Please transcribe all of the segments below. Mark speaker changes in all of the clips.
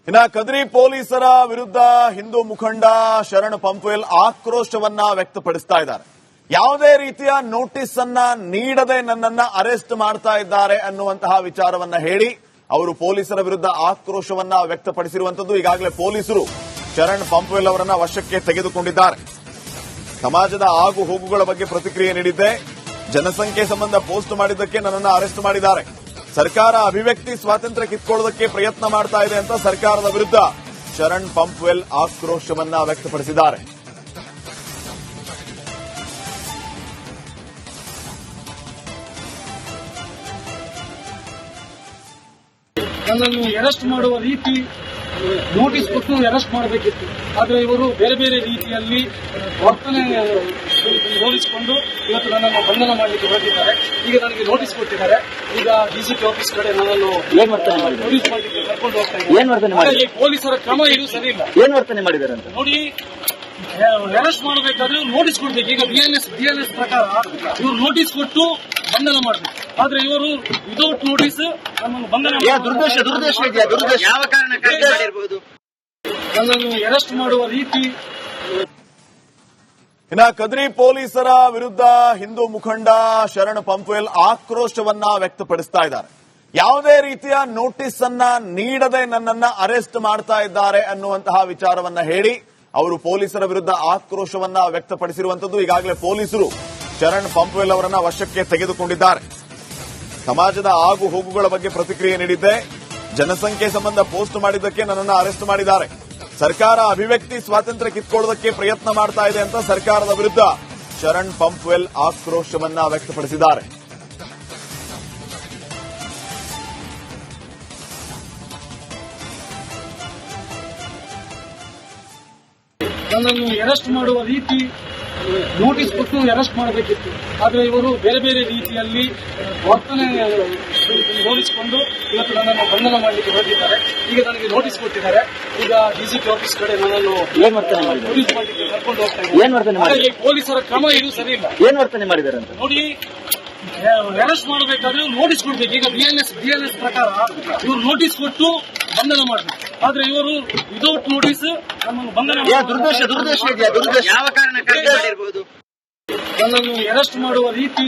Speaker 1: ಇನ್ನ ಕದ್ರಿ ಪೊಲೀಸರ ವಿರುದ್ಧ ಹಿಂದೂ ಮುಖಂಡ ಶರಣ್ ಪಂಪ್ವೆಲ್ ಆಕ್ರೋಶವನ್ನ ವ್ಯಕ್ತಪಡಿಸ್ತಾ ಇದ್ದಾರೆ. ಯಾವುದೇ ರೀತಿಯ ನೋಟಿಸ್ ಅನ್ನ ನೀಡದೆ ನನ್ನನ್ನ ಅರೆಸ್ಟ್ ಮಾಡ್ತಾ ಇದ್ದಾರೆ ಅನ್ನುವಂತಹ ವಿಚಾರವನ್ನ ಹೇಳಿ ಅವರು ಪೊಲೀಸರ ವಿರುದ್ಧ ಆಕ್ರೋಶವನ್ನ ವ್ಯಕ್ತಪಡಿಸಿರುವಂತದ್ದು. ಈಗಾಗಲೇ ಪೊಲೀಸರು ಶರಣ್ ಪಂಪ್ವೆಲ್ ಅವರನ್ನ ವಶಕ್ಕೆ ತೆಗೆದುಕೊಂಡಿದ್ದಾರೆ. ಸಮಾಜದ ಆಗು ಹೋಗುಗಳ ಬಗ್ಗೆ ಪ್ರತಿಕ್ರಿಯೆ ನೀಡಿದ್ದೆ, ಜನಸಂಖ್ಯೆ ಸಂಬಂಧ ಪೋಸ್ಟ್ ಮಾಡಿದ್ದಕ್ಕೆ ನನ್ನನ್ನು ಅರೆಸ್ಟ್ ಮಾಡಿದ್ದಾರೆ, ಸರ್ಕಾರ ಅಭಿವ್ಯಕ್ತಿ ಸ್ವಾತಂತ್ರ್ಯ ಕಿತ್ಕೊಳ್ಳೋದಕ್ಕೆ ಪ್ರಯತ್ನ ಮಾಡ್ತಾ ಇದೆ ಅಂತ ಸರ್ಕಾರದ ವಿರುದ್ಧ ಶರಣ್ ಪಂಪ್ವೆಲ್ ಆಕ್ರೋಶವನ್ನ ವ್ಯಕ್ತಪಡಿಸಿದ್ದಾರೆ.
Speaker 2: ನನ್ನನ್ನು ಅರೆಸ್ಟ್ ಮಾಡುವ ರೀತಿ ನೋಟಿಸ್ ಕೊಟ್ಟು ಅರೆಸ್ಟ್ ಮಾಡಬೇಕಿತ್ತು. ಆದರೆ ಇವರು ಬೇರೆ ಬೇರೆ ರೀತಿಯಲ್ಲಿ ವರ್ತನೆ ಹೋಲಿಸಿಕೊಂಡು ಇವತ್ತು ನನ್ನನ್ನು ಬಂಧನ ಮಾಡಲಿಕ್ಕೆ ಹೊರಟಿದ್ದಾರೆ. ಈಗ ನನಗೆ ನೋಟಿಸ್ ಕೊಟ್ಟಿದ್ದಾರೆ. ಈಗ ಡಿಸಿಪಿ ಆಫೀಸ್ ಕಡೆ ನನ್ನನ್ನು ಪೊಲೀಸ್ ಮಾಡಲಿಕ್ಕೆ ಕರ್ಕೊಂಡು ಹೋಗ್ತಾ ಇದ್ದಾರೆ. ಪೊಲೀಸರ ಕ್ರಮ ಇದು ಸರಿ ಇಲ್ಲ.
Speaker 3: ಏನ್ ವರ್ತನೆ ಮಾಡಿದ್ದಾರೆ ಅಂತ
Speaker 2: ನೋಡಿ, ಅರೆಸ್ಟ್ ಮಾಡಬೇಕಾದ್ರೆ ನೋಟಿಸ್ ಕೊಡ್ಬೇಕು. ಈಗ ಬಿಎನ್ಎಸ್ ಪ್ರಕಾರ ಇವರು ನೋಟಿಸ್ ಕೊಟ್ಟು ಬಂಧನ ಮಾಡಬೇಕು. ಆದ್ರೆ ಇವರು ವಿದೌಟ್ ನೋಟಿಸ್ ನಮ್ಮನ್ನು ಬಂಧನ
Speaker 3: ದುರ್ದೇಶ ಯಾವ ಕಾರಣಕ್ಕಾಗಿ ಮಾಡಿರಬಹುದು.
Speaker 2: ನನ್ನನ್ನು ಅರೆಸ್ಟ್ ಮಾಡುವ ರೀತಿ.
Speaker 1: ಇನ್ನ ಕದ್ರಿ ಪೊಲೀಸರ ವಿರುದ್ಧ ಹಿಂದೂ ಮುಖಂಡ ಶರಣ್ ಪಂಪ್ವೆಲ್ ಆಕ್ರೋಶವನ್ನ ವ್ಯಕ್ತಪಡಿಸ್ತಾ ಇದ್ದಾರೆ. ಯಾವುದೇ ರೀತಿಯ ನೋಟಿಸ್ ಅನ್ನ ನೀಡದೆ ನನ್ನನ್ನ ಅರೆಸ್ಟ್ ಮಾಡ್ತಾ ಇದ್ದಾರೆ ಅನ್ನುವಂತಹ ವಿಚಾರವನ್ನ ಹೇಳಿ ಅವರು ಪೊಲೀಸರ ವಿರುದ್ಧ ಆಕ್ರೋಶವನ್ನ ವ್ಯಕ್ತಪಡಿಸಿರುವಂತದ್ದು. ಈಗಾಗಲೇ ಪೊಲೀಸರು ಶರಣ್ ಪಂಪ್ವೆಲ್ ಅವರನ್ನ ವಶಕ್ಕೆ ತೆಗೆದುಕೊಂಡಿದ್ದಾರೆ. ಸಮಾಜದ ಆಗು ಹೋಗುಗಳ ಬಗ್ಗೆ ಪ್ರತಿಕ್ರಿಯೆ ನೀಡಿದ್ದೆ, ಜನಸಂಖ್ಯೆ ಸಂಬಂಧ ಪೋಸ್ಟ್ ಮಾಡಿದ್ದಕ್ಕೆ ನನ್ನನ್ನು ಅರೆಸ್ಟ್ ಮಾಡಿದ್ದಾರೆ, ಸರ್ಕಾರ ಅಭಿವ್ಯಕ್ತಿ ಸ್ವಾತಂತ್ರ್ಯ ಕಿತ್ಕೊಳ್ಳೋದಕ್ಕೆ ಪ್ರಯತ್ನ ಮಾಡ್ತಾ ಇದೆ ಅಂತ ಸರ್ಕಾರದ ವಿರುದ್ಧ ಶರಣ್ ಪಂಪ್ವೆಲ್ ಆಕ್ರೋಶವನ್ನ ವ್ಯಕ್ತಪಡಿಸಿದ್ದಾರೆ.
Speaker 2: ನನ್ನನ್ನು ಅರೆಸ್ಟ್ ಮಾಡುವ ರೀತಿ ನೋಟಿಸ್ ಕೊಟ್ಟು ಅರೆಸ್ಟ್ ಮಾಡಬೇಕಿತ್ತು. ಆದರೆ ಇವರು ಬೇರೆ ಬೇರೆ ರೀತಿಯಲ್ಲಿ ವರ್ತನೆ ಹೋಲಿಸಿಕೊಂಡು ಇವತ್ತು ನನ್ನನ್ನು ಬಂಧನ ಮಾಡಲಿಕ್ಕೆ ಹೊರಟಿದ್ದಾರೆ. ಈಗ ನನಗೆ ನೋಟಿಸ್ ಕೊಟ್ಟಿದ್ದಾರೆ. ಈಗ ಡಿಸಿಪಿ ಆಫೀಸ್ ಕಡೆ ನನ್ನನ್ನು ಪೊಲೀಸ್ ಮಾಡಲಿಕ್ಕೆ ಕರ್ಕೊಂಡು ಹೋಗ್ತಾ ಇದ್ದಾರೆ. ಪೊಲೀಸರ ಕ್ರಮ ಇದು ಸರಿ ಇಲ್ಲ.
Speaker 3: ಏನ್ ವರ್ತನೆ ಮಾಡಿದ್ದಾರೆ ಅಂತ
Speaker 2: ನೋಡಿ, ಅರೆಸ್ಟ್ ಮಾಡಬೇಕಾದ್ರೆ ನೋಟಿಸ್ ಕೊಡ್ಬೇಕು. ಈಗ ಬಿಎನ್ಎಸ್ ಪ್ರಕಾರ ಇವರು ನೋಟಿಸ್ ಕೊಟ್ಟು ಬಂಧನ ಮಾಡಬೇಕು. ಆದ್ರೆ ಇವರು ವಿದೌಟ್ ನೋಟಿಸ್ ನಮ್ಮನ್ನು ಬಂಧನ
Speaker 3: ಯಾವ ಕಾರಣಕ್ಕಾಗಿ ಮಾಡಿರಬಹುದು.
Speaker 2: ನನ್ನನ್ನು ಅರೆಸ್ಟ್ ಮಾಡುವ ರೀತಿ.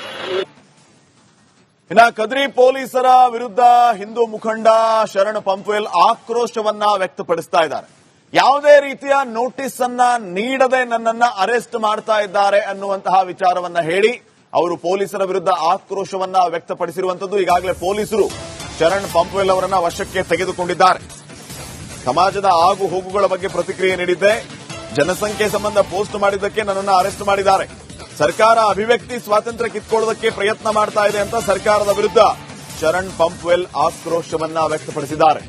Speaker 1: ಇನ್ನ ಕದ್ರಿ ಪೊಲೀಸರ ವಿರುದ್ಧ ಹಿಂದೂ ಮುಖಂಡ ಶರಣ್ ಪಂಪ್ವೆಲ್ ಆಕ್ರೋಶವನ್ನ ವ್ಯಕ್ತಪಡಿಸ್ತಾ ಇದ್ದಾರೆ. ಯಾವುದೇ ರೀತಿಯ ನೋಟಿಸ್ ಅನ್ನ ನೀಡದೆ ನನ್ನನ್ನ ಅರೆಸ್ಟ್ ಮಾಡ್ತಾ ಇದ್ದಾರೆ ಅನ್ನುವಂತಹ ವಿಚಾರವನ್ನ ಹೇಳಿ ಅವರು ಪೊಲೀಸರ ವಿರುದ್ಧ ಆಕ್ರೋಶವನ್ನ ವ್ಯಕ್ತಪಡಿಸಿರುವಂತದ್ದು. ಈಗಾಗಲೇ ಪೊಲೀಸರು ಶರಣ್ ಪಂಪ್ವೆಲ್ ಅವರನ್ನ ವಶಕ್ಕೆ ತೆಗೆದುಕೊಂಡಿದ್ದಾರೆ. ಸಮಾಜದ ಆಗು ಹೋಗುಗಳ ಬಗ್ಗೆ ಪ್ರತಿಕ್ರಿಯೆ ನೀಡಿದ್ದೆ, ಜನಸಂಖ್ಯೆ ಸಂಬಂಧ ಪೋಸ್ಟ್ ಮಾಡಿದ್ದಕ್ಕೆ ನನ್ನನ್ನು ಅರೆಸ್ಟ್ ಮಾಡಿದ್ದಾರೆ, ಸರ್ಕಾರ ಅಭಿವ್ಯಕ್ತಿ ಸ್ವಾತಂತ್ರ್ಯ ಕಿತ್ಕೊಳ್ಳೋದಕ್ಕೆ ಪ್ರಯತ್ನ ಮಾಡ್ತಾ ಇದೆ ಅಂತ ಸರ್ಕಾರದ ವಿರುದ್ಧ ಶರಣ್ ಪಂಪ್ವೆಲ್ ಆಕ್ರೋಶವನ್ನ ವ್ಯಕ್ತಪಡಿಸಿದ್ದಾರೆ.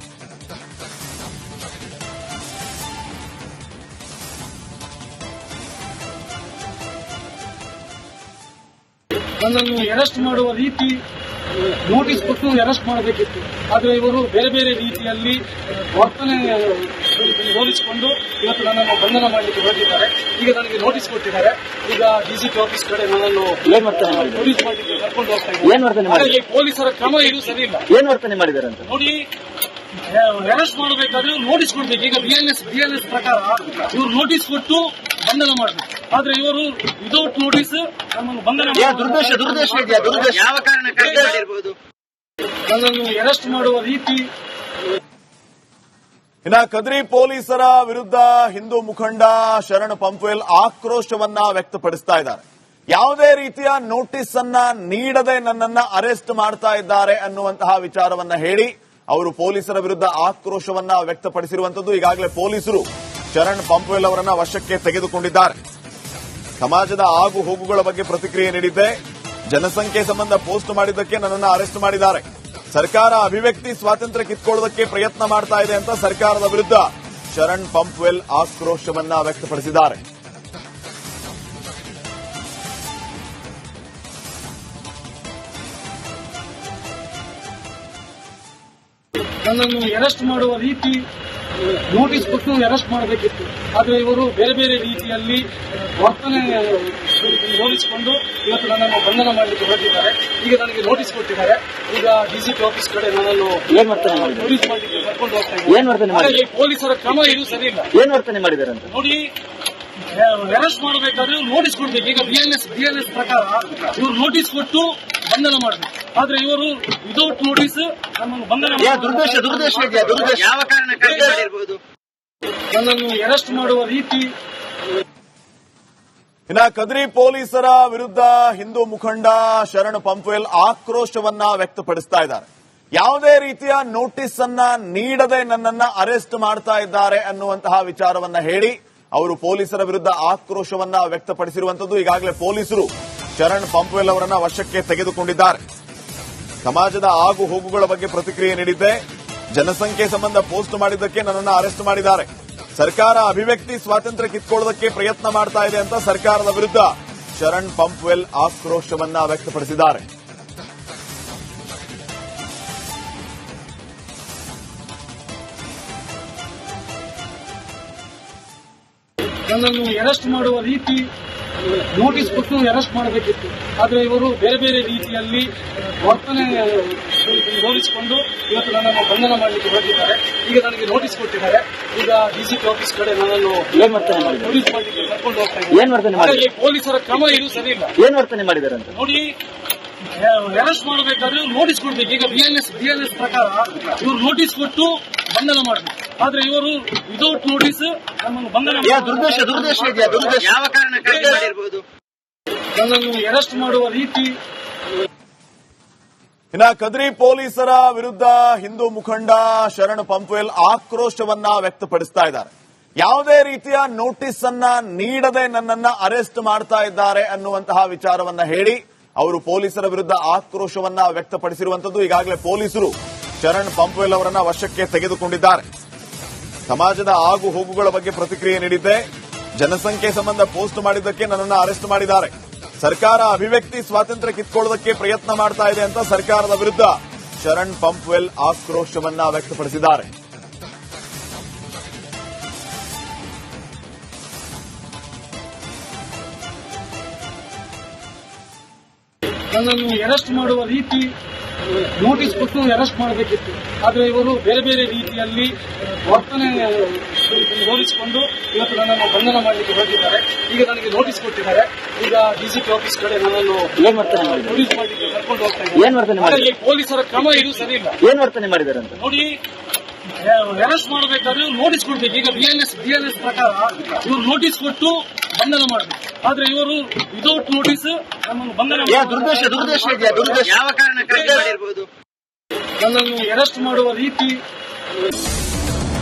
Speaker 2: ನನ್ನನ್ನು ಅರೆಸ್ಟ್ ಮಾಡುವ ರೀತಿ ನೋಟಿಸ್ ಕೊಟ್ಟು ಅರೆಸ್ಟ್ ಮಾಡಬೇಕಿತ್ತು. ಆದರೆ ಇವರು ಬೇರೆ ಬೇರೆ ರೀತಿಯಲ್ಲಿ ವರ್ತನೆ ಹೋಲಿಸಿಕೊಂಡು ಇವತ್ತು ನನ್ನನ್ನು ಬಂಧನ ಮಾಡಲಿಕ್ಕೆ ಹೊರಟಿದ್ದಾರೆ. ಈಗ ನನಗೆ ನೋಟಿಸ್ ಕೊಟ್ಟಿದ್ದಾರೆ. ಈಗ ಡಿಸಿಪಿ ಆಫೀಸ್ ಕಡೆ ನನ್ನನ್ನು ಪೊಲೀಸ್ ಮಾಡಲಿಕ್ಕೆ ಕರ್ಕೊಂಡು ಹೋಗ್ತಾ ಇದ್ದಾರೆ. ಪೊಲೀಸರ ಕ್ರಮ ಇದು ಸರಿ ಇಲ್ಲ.
Speaker 3: ಏನ್ ವರ್ತನೆ ಮಾಡಿದ್ದಾರೆ ಅಂತ
Speaker 2: ನೋಡಿ, ಅರೆಸ್ಟ್ ಮಾಡಬೇಕಾದ್ರೆ ನೋಟಿಸ್ ಕೊಡ್ಬೇಕು. ಈಗ ಬಿಎನ್ಎಸ್ ಪ್ರಕಾರ ಇವರು ನೋಟಿಸ್ ಕೊಟ್ಟು ಬಂಧನ ಮಾಡಬೇಕು. ಆದ್ರೆ ಇವರು ವಿದೌಟ್ ನೋಟಿಸ್ ನಮ್ಮನ್ನು ಬಂಧನ
Speaker 3: ಯಾವ ಕಾರಣಕ್ಕಾಗಿ ಮಾಡಿರಬಹುದು.
Speaker 2: ನನ್ನನ್ನು ಅರೆಸ್ಟ್ ಮಾಡುವ ರೀತಿ.
Speaker 1: ಇನ್ನ ಕದ್ರಿ ಪೊಲೀಸರ ವಿರುದ್ಧ ಹಿಂದೂ ಮುಖಂಡ ಶರಣ್ ಪಂಪ್ವೆಲ್ ಆಕ್ರೋಶವನ್ನ ವ್ಯಕ್ತಪಡಿಸ್ತಾ ಇದ್ದಾರೆ. ಯಾವುದೇ ರೀತಿಯ ನೋಟಿಸ್ ಅನ್ನ ನೀಡದೆ ನನ್ನನ್ನ ಅರೆಸ್ಟ್ ಮಾಡ್ತಾ ಇದ್ದಾರೆ ಅನ್ನುವಂತಹ ವಿಚಾರವನ್ನ ಹೇಳಿ ಅವರು ಪೊಲೀಸರ ವಿರುದ್ಧ ಆಕ್ರೋಶವನ್ನ ವ್ಯಕ್ತಪಡಿಸಿರುವಂತದ್ದು. ಈಗಾಗಲೇ ಪೊಲೀಸರು ಶರಣ್ ಪಂಪ್ವೆಲ್ ಅವರನ್ನ ವಶಕ್ಕೆ ತೆಗೆದುಕೊಂಡಿದ್ದಾರೆ. ಸಮಾಜದ ಆಗು ಹೋಗುಗಳ ಬಗ್ಗೆ ಪ್ರತಿಕ್ರಿಯೆ ನೀಡಿದ್ದೆ, ಜನಸಂಖ್ಯೆ ಸಂಬಂಧ ಪೋಸ್ಟ್ ಮಾಡಿದ್ದಕ್ಕೆ ನನ್ನನ್ನು ಅರೆಸ್ಟ್ ಮಾಡಿದ್ದಾರೆ, ಸರ್ಕಾರ ಅಭಿವ್ಯಕ್ತಿ ಸ್ವಾತಂತ್ರ್ಯ ಕಿತ್ಕೊಳ್ಳೋದಕ್ಕೆ ಪ್ರಯತ್ನ ಮಾಡ್ತಾ ಇದೆ ಅಂತ ಸರ್ಕಾರದ ವಿರುದ್ಧ ಶರಣ್ ಪಂಪ್ವೆಲ್ ಆಕ್ರೋಶವನ್ನ ವ್ಯಕ್ತಪಡಿಸಿದ್ದಾರೆ.
Speaker 2: ನನ್ನನ್ನು ಅರೆಸ್ಟ್ ಮಾಡುವ ರೀತಿ. ನೋಟಿಸ್ ಕೊಟ್ಟು ಅರೆಸ್ಟ್ ಮಾಡಬೇಕಿತ್ತು. ಆದರೆ ಇವರು ಬೇರೆ ಬೇರೆ ರೀತಿಯಲ್ಲಿ ವರ್ತನೆ ಹೋಲಿಸಿಕೊಂಡು ಇವತ್ತು ನನ್ನನ್ನು ಬಂಧನ ಮಾಡಲಿಕ್ಕೆ ಹೊರಟಿದ್ದಾರೆ. ಈಗ ನನಗೆ ನೋಟಿಸ್ ಕೊಟ್ಟಿದ್ದಾರೆ. ಈಗ ಡಿಸಿಪಿ ಆಫೀಸ್ ಕಡೆ ನನ್ನನ್ನು ಪೊಲೀಸ್ ಮಾಡಲಿಕ್ಕೆ ಕರ್ಕೊಂಡು ಹೋಗ್ತಾ ಇದ್ದಾರೆ. ಪೊಲೀಸರ ಕ್ರಮ ಇದು ಸರಿ ಇಲ್ಲ.
Speaker 3: ಏನ್ ವರ್ತನೆ ಮಾಡಿದ್ದಾರೆ ಅಂತ
Speaker 2: ನೋಡಿ, ಅರೆಸ್ಟ್ ಮಾಡಬೇಕಾದ್ರೆ ನೋಟಿಸ್ ಕೊಡ್ಬೇಕು. ಈಗ ಬಿಎನ್ಎಸ್ ಪ್ರಕಾರ ಇವರು ನೋಟಿಸ್ ಕೊಟ್ಟು ಬಂಧನ ಮಾಡಬೇಕು. ಆದ್ರೆ ಇವರು ವಿದೌಟ್ ನೋಟಿಸ್ ನಮ್ಮನ್ನು ಬಂಧನ
Speaker 3: ದುರುದ್ದೇಶ ಇದೆಯಾ? ದುರುದ್ದೇಶ ಯಾವ ಕಾರಣಕ್ಕಾಗಿ ಮಾಡಿರಬಹುದು?
Speaker 2: ನನ್ನನ್ನು ಅರೆಸ್ಟ್ ಮಾಡುವ ರೀತಿ.
Speaker 1: ಇನ್ನ ಕದ್ರಿ ಪೊಲೀಸರ ವಿರುದ್ಧ ಹಿಂದೂ ಮುಖಂಡ ಶರಣ್ ಪಂಪ್ವೆಲ್ ಆಕ್ರೋಶವನ್ನ ವ್ಯಕ್ತಪಡಿಸ್ತಾ ಇದ್ದಾರೆ. ಯಾವುದೇ ರೀತಿಯ ನೋಟಿಸ್ ಅನ್ನ ನೀಡದೆ ನನ್ನನ್ನ ಅರೆಸ್ಟ್ ಮಾಡ್ತಾ ಇದ್ದಾರೆ ಅನ್ನುವಂತಹ ವಿಚಾರವನ್ನ ಹೇಳಿ ಅವರು ಪೊಲೀಸರ ವಿರುದ್ಧ ಆಕ್ರೋಶವನ್ನ ವ್ಯಕ್ತಪಡಿಸಿರುವಂತದ್ದು. ಈಗಾಗಲೇ ಪೊಲೀಸರು ಶರಣ್ ಪಂಪ್ವೆಲ್ ಅವರನ್ನ ವಶಕ್ಕೆ ತೆಗೆದುಕೊಂಡಿದ್ದಾರೆ. ಸಮಾಜದ ಆಗು ಹೋಗುಗಳ ಬಗ್ಗೆ ಪ್ರತಿಕ್ರಿಯೆ ನೀಡಿದ್ದೆ. ಜನಸಂಖ್ಯೆ ಸಂಬಂಧ ಪೋಸ್ಟ್ ಮಾಡಿದ್ದಕ್ಕೆ ನನ್ನನ್ನು ಅರೆಸ್ಟ್ ಮಾಡಿದ್ದಾರೆ. ಸರ್ಕಾರ ಅಭಿವ್ಯಕ್ತಿ ಸ್ವಾತಂತ್ರ್ಯ ಕಿತ್ಕೊಳ್ಳೋದಕ್ಕೆ ಪ್ರಯತ್ನ ಮಾಡ್ತಾ ಇದೆ ಅಂತ ಸರ್ಕಾರದ ವಿರುದ್ಧ ಶರಣ್ ಪಂಪ್ವೆಲ್ ಆಕ್ರೋಶವನ್ನ ವ್ಯಕ್ತಪಡಿಸಿದ್ದಾರೆ.
Speaker 2: ನನ್ನನ್ನು ಅರೆಸ್ಟ್ ಮಾಡುವ ರೀತಿ ನೋಟಿಸ್ ಕೊಟ್ಟು ಅರೆಸ್ಟ್ ಮಾಡಬೇಕಿತ್ತು. ಆದರೆ ಇವರು ಬೇರೆ ಬೇರೆ ರೀತಿಯಲ್ಲಿ ವರ್ತನೆ ಹೋಲಿಸಿಕೊಂಡು ಇವತ್ತು ನನ್ನನ್ನು ಬಂಧನ ಮಾಡಲಿಕ್ಕೆ ಹೊರಟಿದ್ದಾರೆ. ಈಗ ನನಗೆ ನೋಟಿಸ್ ಕೊಟ್ಟಿದ್ದಾರೆ. ಈಗ ಡಿಸಿಪಿ ಆಫೀಸ್ ಕಡೆ ನನ್ನನ್ನು ಪೊಲೀಸ್ ಮಾಡಲಿಕ್ಕೆ ಕರ್ಕೊಂಡು ಹೋಗ್ತಾ ಇದ್ದಾರೆ. ಪೊಲೀಸರ ಕ್ರಮ ಇದು ಸರಿ ಇಲ್ಲ.
Speaker 3: ಏನ್ ವರ್ತನೆ ಮಾಡಿದ್ದಾರೆ ಅಂತ
Speaker 2: ನೋಡಿ, ಅರೆಸ್ಟ್ ಮಾಡಬೇಕಾದ್ರೆ ನೋಟಿಸ್ ಕೊಡ್ಬೇಕು. ಈಗ ಬಿಎನ್ಎಸ್ ಪ್ರಕಾರ ಇವರು ನೋಟಿಸ್ ಕೊಟ್ಟು ಬಂಧನ ಮಾಡಬೇಕು. ಆದ್ರೆ ಇವರು ವಿದೌಟ್ ನೋಟಿಸ್ ನಮ್ಮನ್ನು ಬಂಧನ
Speaker 3: ದುರುದ್ದೇಶ ಇದೆಯಾ? ದುರುದ್ದೇಶ ಯಾವ ಕಾರಣಕ್ಕಾಗಿ ಮಾಡಿರಬಹುದು?
Speaker 2: ನನ್ನನ್ನು ಅರೆಸ್ಟ್ ಮಾಡುವ ರೀತಿ.
Speaker 1: ಇನ್ನ ಕದ್ರಿ ಪೊಲೀಸರ ವಿರುದ್ಧ ಹಿಂದೂ ಮುಖಂಡ ಶರಣ್ ಪಂಪ್ವೆಲ್ ಆಕ್ರೋಶವನ್ನ ವ್ಯಕ್ತಪಡಿಸ್ತಾ ಇದ್ದಾರೆ. ಯಾವುದೇ ರೀತಿಯ ನೋಟಿಸ್ ಅನ್ನ ನೀಡದೆ ನನ್ನನ್ನ ಅರೆಸ್ಟ್ ಮಾಡ್ತಾ ಇದ್ದಾರೆ ಅನ್ನುವಂತಹ ವಿಚಾರವನ್ನ ಹೇಳಿ ಅವರು ಪೊಲೀಸರ ವಿರುದ್ಧ ಆಕ್ರೋಶವನ್ನ ವ್ಯಕ್ತಪಡಿಸಿರುವಂತದ್ದು. ಈಗಾಗಲೇ ಪೊಲೀಸರು ಶರಣ್ ಪಂಪ್ವೆಲ್ ಅವರನ್ನ ವಶಕ್ಕೆ ತೆಗೆದುಕೊಂಡಿದ್ದಾರೆ. ಸಮಾಜದ ಆಗು ಹೋಗುಗಳ ಬಗ್ಗೆ ಪ್ರತಿಕ್ರಿಯೆ ನೀಡಿದ್ದೆ. ಜನಸಂಖ್ಯೆ ಸಂಬಂಧ ಪೋಸ್ಟ್ ಮಾಡಿದ್ದಕ್ಕೆ ನನ್ನನ್ನು ಅರೆಸ್ಟ್ ಮಾಡಿದ್ದಾರೆ. ಸರ್ಕಾರ ಅಭಿವ್ಯಕ್ತಿ ಸ್ವಾತಂತ್ರ್ಯ ಕಿತ್ಕೊಳ್ಳೋದಕ್ಕೆ ಪ್ರಯತ್ನ ಮಾಡ್ತಾ ಇದೆ ಅಂತ ಸರ್ಕಾರದ ವಿರುದ್ಧ ಶರಣ್ ಪಂಪ್ವೆಲ್ ಆಕ್ರೋಶವನ್ನ ವ್ಯಕ್ತಪಡಿಸಿದ್ದಾರೆ.
Speaker 2: ನನ್ನನ್ನು ಅರೆಸ್ಟ್ ಮಾಡುವ ರೀತಿ ನೋಟಿಸ್ ಕೊಟ್ಟು ಅರೆಸ್ಟ್ ಮಾಡಬೇಕಿತ್ತು. ಆದರೆ ಇವರು ಬೇರೆ ಬೇರೆ ರೀತಿಯಲ್ಲಿ ವರ್ತನೆ ಹೋಲಿಸಿಕೊಂಡು ಇವತ್ತು ನನ್ನನ್ನು ಬಂಧನ ಮಾಡಲಿಕ್ಕೆ ಹೊರಟಿದ್ದಾರೆ. ಈಗ ನನಗೆ ನೋಟಿಸ್ ಕೊಟ್ಟಿದ್ದಾರೆ. ಈಗ ಡಿಸಿಪಿ ಆಫೀಸ್ ಕಡೆ ನನ್ನನ್ನು ಪೊಲೀಸ್ ಮಾಡಲಿಕ್ಕೆ ಕರ್ಕೊಂಡು ಹೋಗ್ತಾ ಇದ್ದಾರೆ. ಪೊಲೀಸರ ಕ್ರಮ ಇದು ಸರಿ ಇಲ್ಲ.
Speaker 3: ಏನ್ ವರ್ತನೆ ಮಾಡಿದ್ದಾರೆ ಅಂತ
Speaker 2: ನೋಡಿ, ಅರೆಸ್ಟ್ ಮಾಡಬೇಕಾದ್ರೆ ನೋಟಿಸ್ ಕೊಡ್ಬೇಕು. ಈಗ ಬಿಎನ್ಎಸ್ ಪ್ರಕಾರ ಇವರು ನೋಟಿಸ್ ಕೊಟ್ಟು ಬಂಧನ ಮಾಡಬೇಕು. ಆದ್ರೆ ಇವರು ವಿದೌಟ್ ನೋಟಿಸ್ ನಮ್ಮನ್ನು ಬಂಧನ
Speaker 3: ದುರುದ್ದೇಶ ಇದೆಯಾ? ದುರುದ್ದೇಶ ಯಾವ ಕಾರಣಕ್ಕಾಗಿ ಮಾಡಿರಬಹುದು?
Speaker 2: ನನ್ನನ್ನು ಅರೆಸ್ಟ್ ಮಾಡುವ ರೀತಿ.